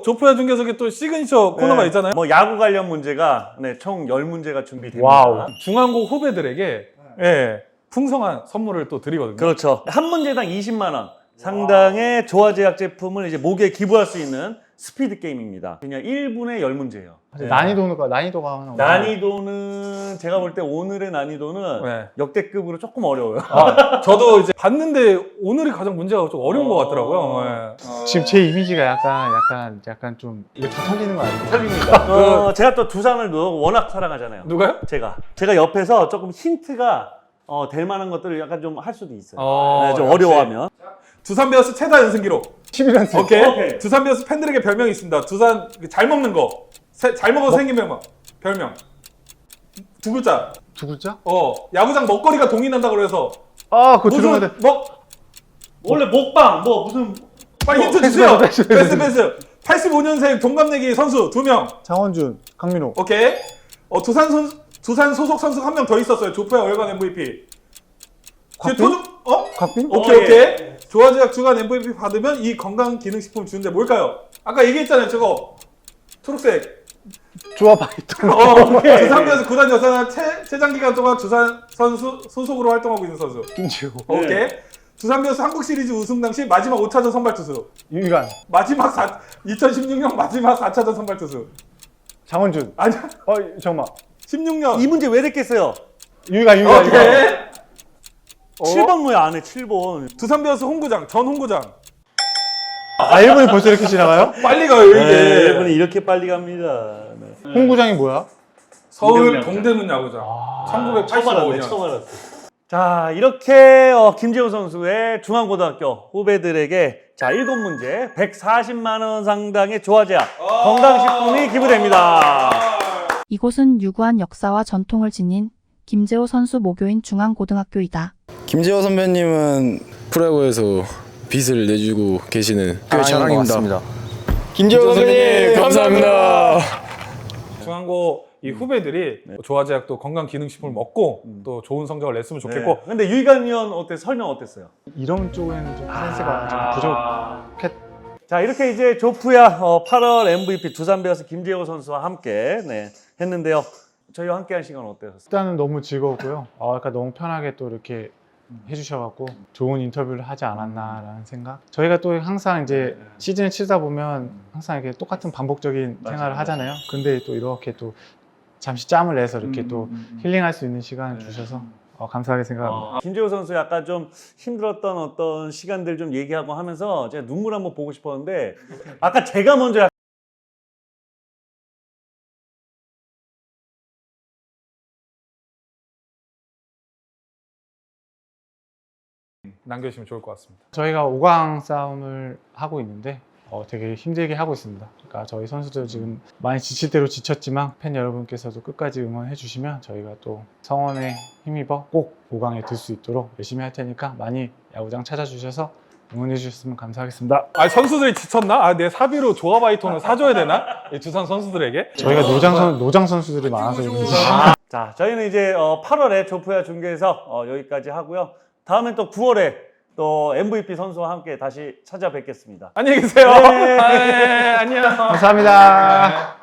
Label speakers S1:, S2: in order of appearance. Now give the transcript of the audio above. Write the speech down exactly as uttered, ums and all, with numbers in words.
S1: 조프야 중계석에 또 시그니처 코너가
S2: 네.
S1: 있잖아요.
S2: 뭐 야구 관련 문제가 네, 총 열 문제가 준비됩니다.
S1: 와우. 중앙고 후배들에게 예, 풍성한 선물을 또 드리거든요.
S2: 그렇죠. 한 문제당 이십만 원 상당의 조화제약 제품을 이제 목에 기부할 수 있는 스피드 게임입니다. 그냥 일 분에 열 문제예요.
S3: 네. 난이도가 난이도가
S2: 난이도는 제가 볼 때 오늘의 난이도는
S1: 네.
S2: 역대급으로 조금 어려워요.
S1: 아, 저도 이제 봤는데 오늘이 가장 문제가 좀 어려운 것 같더라고요. 예.
S3: 지금 제 이미지가 약간 약간 약간 좀 이거 다 털리는 거 아니에요?
S2: 틀립니다. 어, 제가 또 두산을 워낙 사랑하잖아요.
S1: 누가요?
S2: 제가 제가 옆에서 조금 힌트가 어, 될 만한 것들을 약간 좀 할 수도 있어요.
S1: 어,
S2: 네, 좀
S1: 역시.
S2: 어려워하면.
S1: 두산 베어스 최다 연승 기록.
S3: 십일 연승.
S1: 오케이.
S2: 오케이.
S1: 두산 베어스 팬들에게 별명이 있습니다. 두산 잘 먹는 거. 세, 잘 먹어서 생긴 별명. 별명. 두 글자.
S3: 두 글자?
S1: 어, 야구장 먹거리가 동이 난다 그래서
S3: 아, 그거
S1: 무슨
S3: 들어가야 돼.
S1: 먹
S2: 원래 먹방 뭐 무슨
S1: 빨리 힌트
S3: 패스,
S1: 주세요.
S3: 패스,
S1: 패스
S3: 패스.
S1: 패스. 팔십오 년생 동갑내기 선수 두 명.
S3: 장원준, 강민호.
S1: 오케이. 어, 두산 선 두산 소속 선수 한 명 더 있었어요. 조프야 월간 엠브이피.
S3: 곽빈?
S1: 토종 어?
S3: 곽빈?
S1: 오케이
S2: 어,
S1: 오케이.
S2: 예.
S1: 조화제약 주간 엠브이피 받으면 이 건강 기능식품 주는데 뭘까요? 아까 얘기했잖아요. 저거 초록색.
S3: 조화 바이톤.
S1: 어, 두산에서 구단 여사나 최 최장 기간 동안 두산 선수 소속으로 활동하고 있는 선수.
S3: 김지호.
S1: 오케이. 두산 베어스 한국 시리즈 우승 당시 마지막 오 차전 선발 투수.
S3: 유희관.
S1: 마지막 사, 이천십육 년 마지막 사 차전 선발 투수.
S3: 장원준.
S1: 아니야.
S3: 어, 잠깐만.
S1: 십육 년.
S2: 이 문제 왜 냈겠어요?
S3: 유희관, 유희관. 유희관.
S1: 오케이.
S2: 칠 번 뭐야 안에 칠 번.
S1: 두산 베어스 홍구장 전 홍구장.
S3: 아, 일 분이 벌써 이렇게 지나가요?
S1: 빨리 가요 이게.
S2: 네, 일본이 이렇게 빨리 갑니다. 네.
S3: 홍구장이 뭐야?
S1: 서울
S2: 동대문
S1: 동대문 야구장. 천구백팔십오 년.
S2: 처음 알았어. 자, 이렇게 어, 김재호 선수의 중앙고등학교 후배들에게 자, 일곱 문제 백사십만 원 상당의 조화제약 건강식품이 기부됩니다.
S4: 이곳은 유구한 역사와 전통을 지닌 김재호 선수 모교인 중앙고등학교이다.
S5: 김재호 선배님은 프로야구에서 빚을 내주고 계시는 꽤 자랑입니다. 김재호 선배님 감사합니다.
S1: 중앙고 이 후배들이 조화제약도 건강 기능식품을 먹고 또 좋은 성적을 냈으면 좋겠고.
S2: 네. 근데 유희관 위원 어때 설명 어땠어요?
S3: 이런 쪽에는 좀 센스가 좀 부족했.
S2: 자, 이렇게 이제 조프야 어, 팔월 엠브이피 두산 베어스 김재호 선수와 함께 네, 했는데요. 저희와 함께한 시간 어떠셨어요?
S3: 일단은 너무 즐거웠고요. 어, 약간 너무 편하게 또 이렇게 해주셔갖고 좋은 인터뷰를 하지 않았나라는 생각. 저희가 또 항상 이제 시즌을 치다 보면 항상 이렇게 똑같은 반복적인
S2: 맞아요,
S3: 생활을
S2: 맞아요.
S3: 하잖아요. 근데 또 이렇게 또 잠시 짬을 내서 이렇게
S2: 음,
S3: 또
S2: 음, 음.
S3: 힐링할 수 있는 시간을
S2: 네.
S3: 주셔서 어, 감사하게 생각합니다.
S2: 어, 김재호 선수 약간 좀 힘들었던 어떤 시간들 좀 얘기하고 하면서 제가 눈물 한번 보고 싶었는데 아까 제가 먼저 약간
S1: 남겨주시면 좋을 것 같습니다.
S3: 저희가 오 강 싸움을 하고 있는데 어, 되게 힘들게 하고 있습니다. 그러니까 저희 선수들 지금 많이 지칠 대로 지쳤지만 팬 여러분께서도 끝까지 응원해 주시면 저희가 또 성원에 힘입어 꼭 오 강에 들 수 있도록 열심히 할 테니까 많이 야구장 찾아주셔서 응원해 주셨으면 감사하겠습니다.
S1: 아 선수들이 지쳤나? 아 내 사비로 조화바이톤을 사줘야 되나? 이 두산 선수들에게?
S3: 저희가 노장, 선, 노장 선수들이 많아서 그런지.
S2: 자, 저희는 이제 어, 팔월에 조프야 중계에서 어, 여기까지 하고요. 다음엔 또 구월에 또 엠브이피 선수와 함께 다시 찾아뵙겠습니다.
S1: 안녕히 계세요.
S2: 네.
S1: 아, 네, 안녕.
S3: 감사합니다.